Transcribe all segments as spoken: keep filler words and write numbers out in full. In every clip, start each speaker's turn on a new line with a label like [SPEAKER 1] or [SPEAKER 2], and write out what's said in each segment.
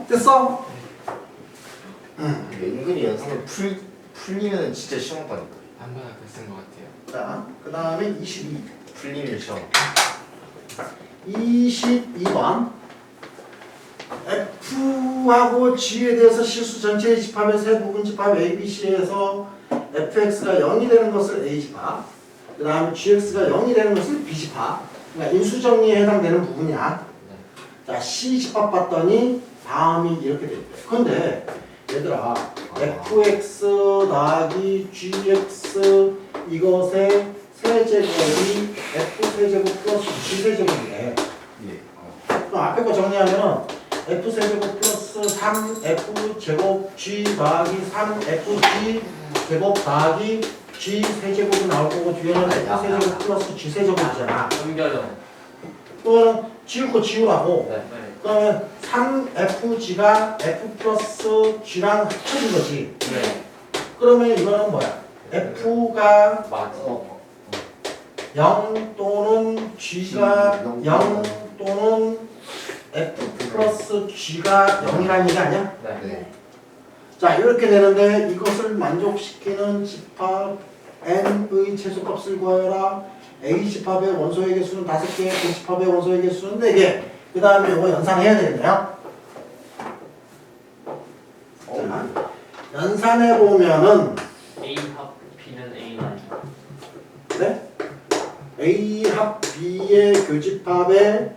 [SPEAKER 1] 됐어? 응.
[SPEAKER 2] 은근히 연산을 풀, 풀리면 진짜 시험 봤다니까.
[SPEAKER 3] 한 번에 쓴것 같아요.
[SPEAKER 1] 자, 그 다음에 이십이.
[SPEAKER 2] 풀리면 시험.
[SPEAKER 1] 이십이 번. F하고 G에 대해서 실수 전체의 집합의 세 부분 집합 A, B, C에서 에프엑스가 영이 되는 것을 A 집합, 그 다음에 지엑스가 영이 되는 것을 B 집합. 그러니까 인수정리에 해당되는 부분이야. 자, C 집합 봤더니 다음이 이렇게 돼 있대. 근데 얘들아, 에프엑스 더하기 지엑스 이것의 세제곱이 F 세제곱 플러스 G 세제곱이래.
[SPEAKER 2] 예.
[SPEAKER 1] 그럼 앞에 거 정리하면은 F 세제곱 플러스 삼 에프 제곱 G 더하기 삼 에프 G 제곱 더하기 G 세제곱이 나올 거고 뒤에는 F 세제곱 플러스 G 세제곱이잖아.
[SPEAKER 3] 넘겨져.
[SPEAKER 1] 그거는 지울 거 지우라고.
[SPEAKER 3] 네.
[SPEAKER 1] 그러면 삼 에프 G가 F 플러스 G랑 합쳐진 거지.
[SPEAKER 3] 네.
[SPEAKER 1] 그러면 이거는 뭐야? F가
[SPEAKER 3] 맞아.
[SPEAKER 2] 어.
[SPEAKER 1] 영 또는 G가 영 또는 F 플러스 G가 영이라는 얘기 아니야?
[SPEAKER 3] 네.
[SPEAKER 2] 네.
[SPEAKER 1] 자, 이렇게 되는데 이것을 만족시키는 집합 n의 최소값을 구하여라. A 집합의 원소의 개수는 다섯 개, B 집합의 원소의 개수는 네 개. 그 다음에 이거 연산해야 되겠네요. 자, 연산해 보면은
[SPEAKER 3] A 합 B는 A 는
[SPEAKER 1] 네? A 합 B의 교집합의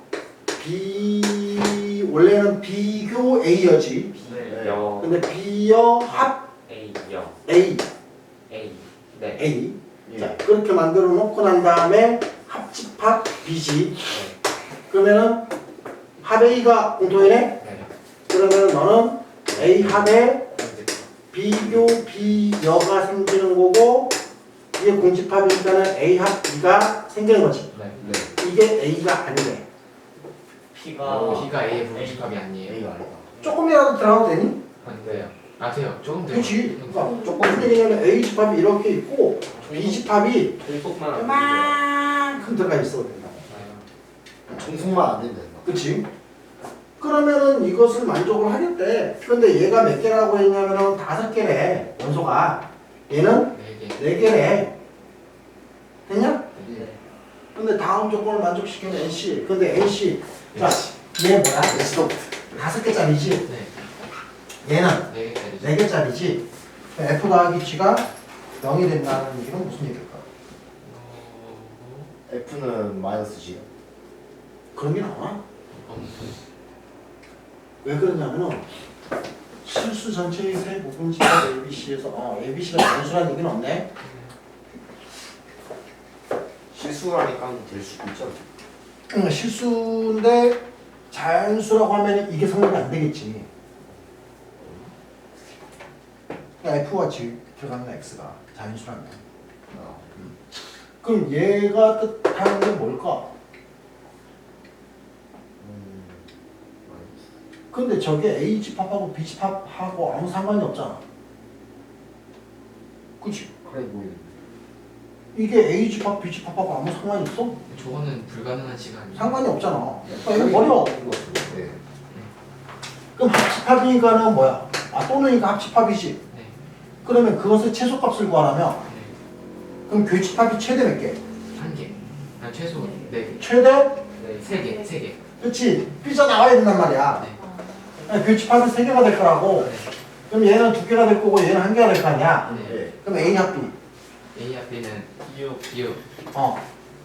[SPEAKER 1] B 원래는 비교 A여지.
[SPEAKER 3] 네. 여
[SPEAKER 1] 근데 B여 합
[SPEAKER 3] A 여
[SPEAKER 1] A
[SPEAKER 3] A 네.
[SPEAKER 1] A.
[SPEAKER 2] 예.
[SPEAKER 1] 자, 그렇게 만들어 놓고 난 다음에 합집합 B지. 그러면은 합 A가 공통이네.
[SPEAKER 3] 네.
[SPEAKER 1] 그러면 너는 A 합의 비교 B여가 생기는 거고 이게 공집합이니까는 A 합 B가 생기는 거지.
[SPEAKER 3] 네.
[SPEAKER 2] 네.
[SPEAKER 1] 이게 A가 아니래.
[SPEAKER 3] P가 B가 A의 부분집합이 아니에요.
[SPEAKER 2] A가 아니다.
[SPEAKER 1] 조금이라도 들어가도 되니?
[SPEAKER 3] 안 돼요. 아세요? 조금 더.
[SPEAKER 1] 그렇지. 그러니까 조금 무슨 얘기냐면 A 집합이 이렇게 있고 B 집합이
[SPEAKER 3] 종속만 안
[SPEAKER 1] 이만큼 들어가 있어도 된다.
[SPEAKER 2] 重複만 안 되면 된다.
[SPEAKER 1] 그치? 그러면은 이것을 만족을 하겠대. 근데 얘가 몇 개라고 했냐면은 다섯 개래. 원소가. 얘는
[SPEAKER 3] 네 개.
[SPEAKER 1] 네 개래. 됐냐?
[SPEAKER 2] 예.
[SPEAKER 1] 근데 다음 조건을 만족시키는 엔씨. 근데 엔씨. 자, 얘 뭐야?
[SPEAKER 2] S도
[SPEAKER 1] 다섯 개짜리지?
[SPEAKER 3] 네.
[SPEAKER 1] 얘는
[SPEAKER 3] 네 개짜리.
[SPEAKER 1] 네 개짜리지? F 더하기 G가 영이 된다는 얘기는 무슨 얘기일까?
[SPEAKER 2] F는 마이너스 G요.
[SPEAKER 1] 그런 게 나와?
[SPEAKER 3] 어,
[SPEAKER 1] 왜 그러냐면은 실수 전체의 세 부분 집합 A, B, C에서 어, A, B, C가 단수라는 얘기는 없네?
[SPEAKER 2] 실수라니까 될 수도 있죠.
[SPEAKER 1] 응, 실수인데 자연수라고 하면 이게 성립이 안 되겠지. 그러니까 F와 G 들어가는 X가 자연수라면.
[SPEAKER 2] 아,
[SPEAKER 1] 그럼 얘가 뜻하는 게 뭘까?
[SPEAKER 2] 음, 마이너스.
[SPEAKER 1] 근데 저게 A 집합하고 B 집합하고 아무 상관이 없잖아. 그치?
[SPEAKER 2] 그래 보이는데.
[SPEAKER 1] 이게 A 집합, B 집합하고 아무 상관이 있어?
[SPEAKER 3] 저거는 불가능한 시간이.
[SPEAKER 1] 상관이 없잖아. 그러니까 이거 버려.
[SPEAKER 2] 네.
[SPEAKER 1] 그럼 합집합이니까는 뭐야? 아, 또는이니까 합집합이지.
[SPEAKER 3] 네.
[SPEAKER 1] 그러면 그것의 최소값을 구하라면
[SPEAKER 3] 네.
[SPEAKER 1] 그럼 교집합이 최대 몇 개?
[SPEAKER 3] 한 개. 아 최소 네 개.
[SPEAKER 1] 최대?
[SPEAKER 3] 네. 세 개. 세 개.
[SPEAKER 1] 그치? 삐져나와야 된단 말이야.
[SPEAKER 3] 네.
[SPEAKER 1] 아니, 교집합은 세 개가 될 거라고.
[SPEAKER 3] 네.
[SPEAKER 1] 그럼 얘는 두 개가 될 거고 얘는 한 개가 될 거 아니야.
[SPEAKER 3] 네.
[SPEAKER 2] 네.
[SPEAKER 1] 그럼 A 합 B.
[SPEAKER 3] A 합 B는 U U.
[SPEAKER 1] 어.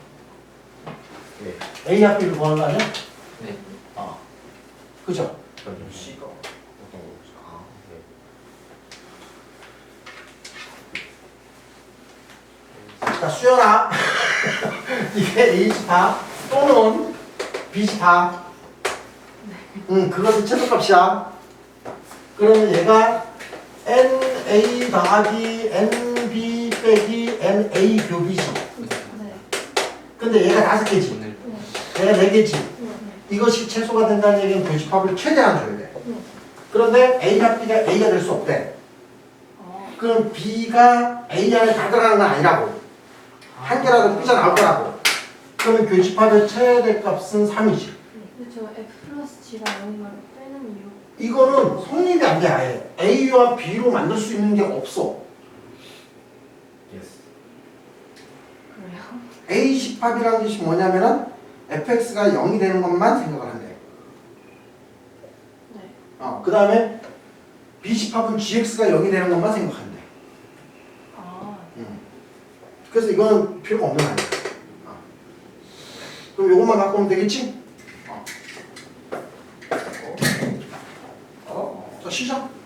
[SPEAKER 2] 네.
[SPEAKER 1] A 합 B를 구하는 거 아니야?
[SPEAKER 3] 네.
[SPEAKER 1] 어. 그죠?
[SPEAKER 2] 그럼 C가 어떤 거지? 아, 네.
[SPEAKER 1] 자, 수연아. 이게 A 집합 또는 B 집합. 응, 그것이 최소값이야. 그러면 얘가 엔에이 더하기 엔비 빼기 엔에이 교비지.
[SPEAKER 4] 네.
[SPEAKER 1] 근데 얘가 다섯 개지.
[SPEAKER 3] 오늘
[SPEAKER 1] 얘가 네 개지.
[SPEAKER 4] 네.
[SPEAKER 1] 이것이 최소가 된다는 얘기는 교집합을 최대한 줘야 돼.
[SPEAKER 4] 네.
[SPEAKER 1] 그런데 A가 B가 A가 될 수 없대.
[SPEAKER 4] 어.
[SPEAKER 1] 그럼 B가 A 안에 다 들어가는 건 아니라고. 한 개라도 삐져나올 거라고. 그러면 교집합의 최대 값은 삼이지.
[SPEAKER 4] 네. 저 F 플러스 G가 영인 거를 빼는 이유.
[SPEAKER 1] 이거는 성립이 안 돼 아예. A와 B로 만들 수 있는 게 없어.
[SPEAKER 3] 예스.
[SPEAKER 4] 그래요?
[SPEAKER 1] A 집합이라는 것이 뭐냐면은 fx가 영이 되는 것만 생각을 한대.
[SPEAKER 4] 네.
[SPEAKER 1] 어, 그 다음에 B 집합은 gx가 영이 되는 것만 생각한대.
[SPEAKER 4] 아,
[SPEAKER 1] 음. 그래서 이거는 필요가 없는 말이야. 어. 그럼 이것만 갖고 오면 되겠지? 어.
[SPEAKER 2] 어?
[SPEAKER 1] 자, 시작.